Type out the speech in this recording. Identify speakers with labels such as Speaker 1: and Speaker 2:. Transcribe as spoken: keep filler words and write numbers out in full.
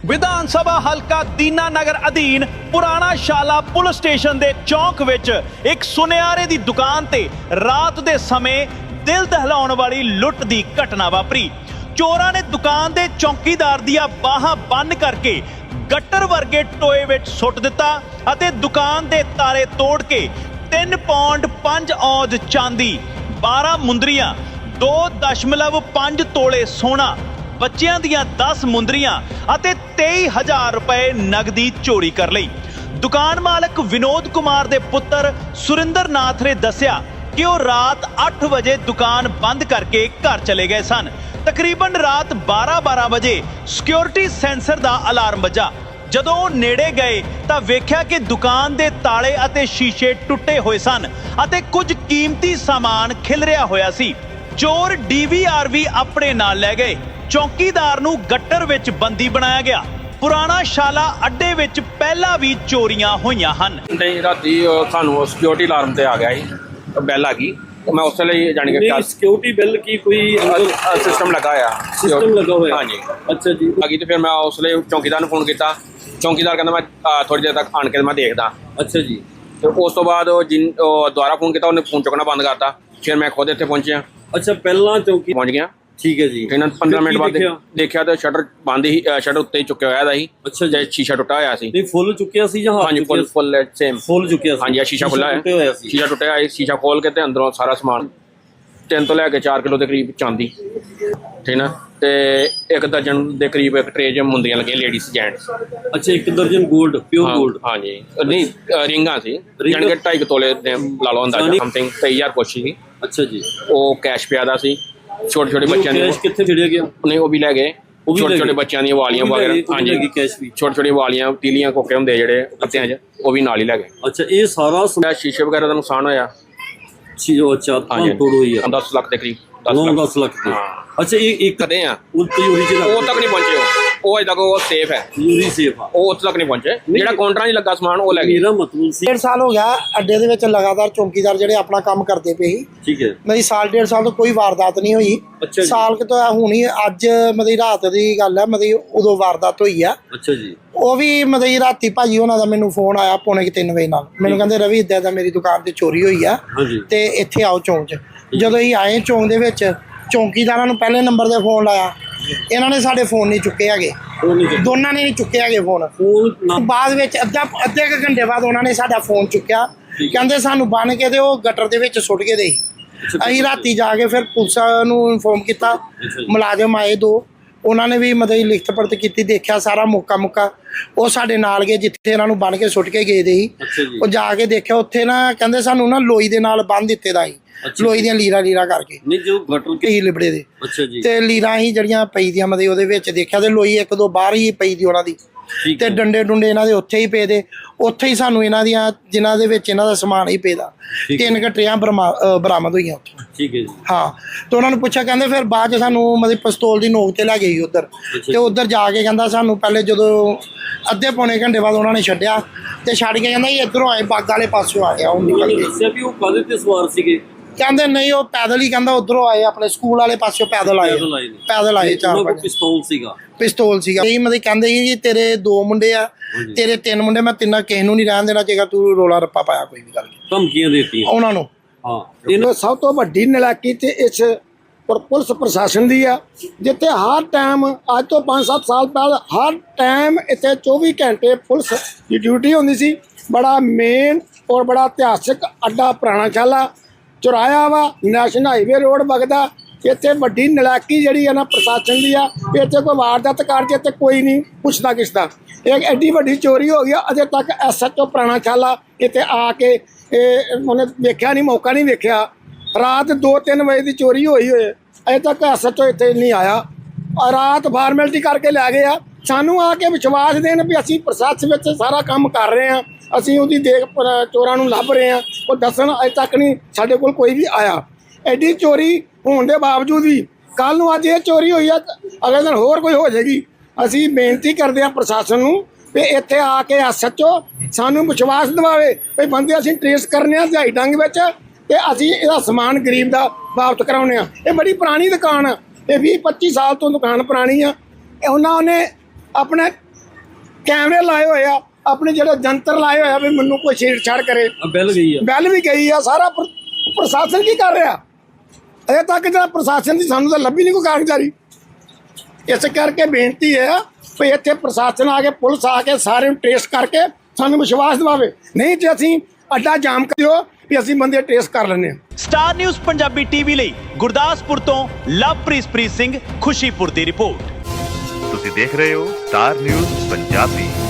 Speaker 1: विधान सभा हल्का दीनानगर अधीन पुराना शाला पुलिस स्टेशन के चौक विच एक सुनियारे की दुकान ते रात के समय दिल दहलाउण वाली लुट की घटना वापरी। चोरां ने दुकान के चौकीदार दियां बाहां बंद करके गट्टर वर्गे टोए विच सुट दिता अते दुकान के तारे तोड़ के तीन पौंड पांच औज चांदी, बारह मुंदरियां, दो दशमलव पांच तोले सोना, बच्चियां दियां दस मुंदरियां अते तेई हजार रुपए नगदी चोरी कर लई। दुकान मालक विनोद कुमार दे पुत्र सुरिंदर नाथ ने दस्सिया कि वो रात अठ बजे दुकान बंद करके घर चले गए सन। तकरीबन रात बारह बारह बजे सिक्योरिटी सेंसर दा अलार्म बजा। जदों वो नेड़े गए तां वेख्या कि दुकान दे ताले अते शीशे टुटे हुए सन अते कुछ कीमती सामान खिलरिया होया सी। चोर डी वी आर भी अपने नाल लै गए। चौकीदार नूं गट्टर विच बंदी बनाया गया। पुराना शाला अड्डे विच पहला भी चोरियां होईयां हन।
Speaker 2: राती सानू सिक्योरिटी अलार्म ते आ गया जी, बैल आ गई। मैं उस वेले जान के
Speaker 3: सिक्योरिटी बिल की कोई
Speaker 2: सिस्टम लगा होया
Speaker 3: सिस्टम लगा होया
Speaker 2: हाँ जी।
Speaker 3: अच्छा जी।
Speaker 2: आ गई तो फिर मैं उस वेले चौकीदार नूं फोन किया। चौकीदार कहंदा मैं थोड़ी देर तक आन के मैं देखदा।
Speaker 3: अच्छा जी।
Speaker 2: तो उस तो बाद जिन दोबारा फोन किया उन्हें फोन चुकना बंद करता। फिर मैं खुद इत्थे पहुंचिया।
Speaker 3: अच्छा पहला चौकी
Speaker 2: पहुंच गया।
Speaker 3: ठीक है जी।
Speaker 2: फिर पंद्रह मिनट बाद देखा तो शटर बंद ही, शटर उत्ते ही चुक्या होया सी।
Speaker 3: अच्छा जी।
Speaker 2: शीशा टुटा होया सी।
Speaker 3: नहीं फुल चुक्या सी जहां
Speaker 2: हाँ जी, फुल फुल सेम
Speaker 3: फुल चुक्या सी।
Speaker 2: हाँ जी, शीशा खुला है, शीशा टुटा है। शीशा खोल के ते अंदरों सारा समान तीन तो लैके चार किलो के करीब चांदी, ठीक ना, ते एक दर्जन के करीब एक ट्रे च मुंदरियां लगियां लेडीज जेंट्स।
Speaker 3: अच्छा एक दर्जन गोल्ड प्योर गोल्ड।
Speaker 2: हाँ जी, नहीं रिंगा सी जान के ढाई तोले ला लो अंदाजा समथिंग तेई हजार कुछ सी। अच्छा जी। वो कैश पिया दा सी। छोटे छोटे बच्चों
Speaker 3: कैश कित्थे छड़िया गया? नहीं
Speaker 2: वो भी लै गए। छोटे छोटे बच्चों दी वालियां वगैरह हाँ जी,
Speaker 3: कैश भी
Speaker 2: छोटे छोटे वालियां तीलियां कोके हुंदे जेहड़े पत्तियां च वो भी नाल ही लै गए।
Speaker 3: अच्छा ये सारा
Speaker 2: शीशे वगैरह दा नुकसान होया।
Speaker 3: अच्छा तोड़ हुई है
Speaker 2: दस लाख के करीब।
Speaker 3: दस लाख के। अच्छा ये एक
Speaker 2: कदे आ
Speaker 3: ओरिजिनल
Speaker 2: वो तक नहीं पहुंचे। वो अजे तक वो सेफ है,
Speaker 3: यूरी सेफ है,
Speaker 2: वो उत्थे तक नहीं पहुंचे। जेड़ा काउंटरां नहीं लगा समान वो लै गए।
Speaker 3: मेरा मतलब सी
Speaker 4: डेढ़ साल हो गया अड्डे दे विच लगातार चौकीदार जेहड़े अपना काम करते पे ही।
Speaker 3: ठीक है।
Speaker 4: मेरी साल डेढ़ साल तो कोई वारदात नहीं हुई।
Speaker 3: अच्छा
Speaker 4: साल के तो हुणी अज मतलब रात की गल है, मतलब उदों वारदात हुई है।
Speaker 3: अच्छा जी। वो
Speaker 4: भी मतलब राती भाजी होना दा मैनू फोन आया पौने कि तीन बजे नाल। मैनू कहंदे रवि इदां दा मेरी दुकान ते चोरी हुई है ते इत्थे आओ चौंक च। जदों ही आए चौंक दे विच चौकीदारां नूं पहले नंबर ते फोन लाया, इन्हां ने साडे फोन नहीं चुके हैगे, दोनों ने नहीं चुके हैगे फोन। बाद विच अद्धा अद्धे क घंटे बाद उन्होंने साडा फोन चुक्या, कहंदे सानू बन के ते ओह गटर दे विच सुट के दे। असीं राती जाके फिर पुलिस नूं इन्फॉर्म किया, मुलाजम आए दो, उन्होंने भी मतलब लिखत पढ़त की, देखा सारा मौका मुक्का वो साडे नाल गए जिथे इन्हां नूं बन के सुट के गए दे। वो जाके देखा उत्थे ना कहंदे सानू ना लोई दे नाल बन दित्ते दा ही, लोई दियां लीरा लीरा करके
Speaker 3: नहीं जो गटर
Speaker 4: के ही लिबड़े दे।
Speaker 3: अच्छा जी।
Speaker 4: ते लीरा ही जड़ियां पई दियां मतलब ओहदे विच देखा ते लोई एक दो बाहर ही पई दी उन्हां दी ते डंडे डुंडे इन्हां दे उत्थे ही पे दे। उत्थे ही सानू इन्हां दियां जिन्हां दे विच इन्हां दा समान ही पेदा तीन घट्टियां बरामद होईयां उत्थे।
Speaker 3: ठीक है जी।
Speaker 4: हाँ तो उन्होंने पूछा, कहंदे फिर बाद च सानू मतलब पिस्तौल दी नोक ते लै गई उधर ते उधर जाके कहंदा सानू पहले जदों अद्धे पौने घंटे बाद उन्होंने छड्डिया ते छड्ड के कहंदा इधरों आए बाग वाले पासों आ गया। हुण निकल गए कहंदे नहीं वो पैदल ही, कहंदा उधरों आए अपने स्कूल वाले पासों पैदल आए पैदल आए चार पांच
Speaker 3: पिस्तौल सीगा पिस्तौल
Speaker 4: सीगा यही मतलब कहंदे ही जी तेरे दो मुंडे आ तेरे तीन मुंडे, मैं तिन्ना किसी नूं नहीं रहन देना जेकर तू रोला रप्पा पाया कोई भी गल
Speaker 3: धमकियां देतियां
Speaker 4: उन्हां नूं।
Speaker 3: हाँ
Speaker 5: इन्हों सब तो वड्डी नलायकी ते इस पुलिस प्रशासन दी आ, जिथे हर टाइम अज तो पाँच सत्त साल पहले हर टाइम इतने चौबी घंटे पुलिस की ड्यूटी होंदी सी। बड़ा मेन और बड़ा इतिहासिक अड्डा पुराना शाला चौराया वा, नैशनल हाईवे रोड बगदा। इतने वड्डी नलायकी जिहड़ी है ना प्रशासन की आ, इतने कोई वारदात कर जे ते कोई नहीं पुछदा किसदा। एक एड्डी वड्डी चोरी हो गई, अजे तक एस एच ओ पुराना शाला इतने आके उन्हें देखा नहीं, मौका नहीं देखा। रात दो तीन बजे की चोरी हुई हुए अजे तक एस एच ओ इतने नहीं आया। रात फार्मैलिटी करके लै गए। सानू आके विश्वास देन भी असीं प्रशासन में सारा काम कर रहे हैं, असीं उहदी देख चोरां नूं लभ रहे हैं, वो दसन अजे तक नहीं साडे कोल कोई भी आया। एड्डी चोरी होने के बावजूद भी कल नूं अज ये चोरी हुई है, अगले दिन होर कोई हो जाएगी। असीं बेनती करते हैं प्रशासन नूं भी इत्थे आके एस एच ओ सानू विश्वास दिवावे भी बंदे असीं ट्रेस करने आ दिहाड़ी डंग विच ते असीं इहदा समान गरीब दा वापस कराउने आ। ये बड़ी पुरानी दुकान है, ये बीस पच्ची साल तो दुकान पुरानी आ। उन्होंने अपने ਕੈਮਰੇ ਲਾਏ ਹੋਏ ਆ, ਆਪਣੇ ਜਿਹੜੇ ਜੰਤਰ ਲਾਏ ਹੋਏ ਆ ਵੀ ਮੈਨੂੰ ਕੋਈ ਛੇੜਛਾੜ ਕਰੇ।
Speaker 3: ਬੈਲ ਗਈ ਆ
Speaker 5: ਬੈਲ ਵੀ ਗਈ ਆ। ਸਾਰਾ ਪ੍ਰ- ਪ੍ਰਸ਼ਾਸਨ ਕੀ ਕਰ ਰਿਹਾ ਅਜੇ ਤੱਕ? ਜਿਹੜਾ ਪ੍ਰਸ਼ਾਸਨ ਦੀ ਸਾਨੂੰ ਤਾਂ ਲੱਭੀ ਨਹੀਂ ਕੋਈ ਕਾਰਗੁਜ਼ਾਰੀ। ਇਸ ਕਰਕੇ ਬੇਨਤੀ ਹੈ ਵੀ ਇੱਥੇ ਪ੍ਰਸ਼ਾਸਨ ਆ ਕੇ, ਪੁਲਿਸ ਆ ਕੇ ਸਾਰੇ ਨੂੰ ਟ੍ਰੇਸ ਕਰਕੇ ਸਾਨੂੰ ਵਿਸ਼ਵਾਸ ਦਿਵਾਵੇ, ਨਹੀਂ ਤੇ ਅਸੀਂ ਅੱਡਾ ਜਾਮ ਕਰ ਦਿਓ ਵੀ ਅਸੀਂ ਬੰਦੇ ਟ੍ਰੇਸ ਕਰ ਲੈਂਦੇ ਹਾਂ।
Speaker 1: ਸਟਾਰ ਨਿਊਜ਼ ਪੰਜਾਬੀ ਟੀਵੀ ਲਈ ਗੁਰਦਾਸਪੁਰ ਤੋਂ ਲਵਪ੍ਰੀਤ ਸਿੰਘ ਖੁਸ਼ੀਪੁਰ ਦੀ ਰਿਪੋਰਟ।
Speaker 6: ਤੁਸੀਂ ਦੇਖ ਰਹੇ ਹੋ ਸਟਾਰ ਨਿਊਜ਼ ਪੰਜਾਬੀ।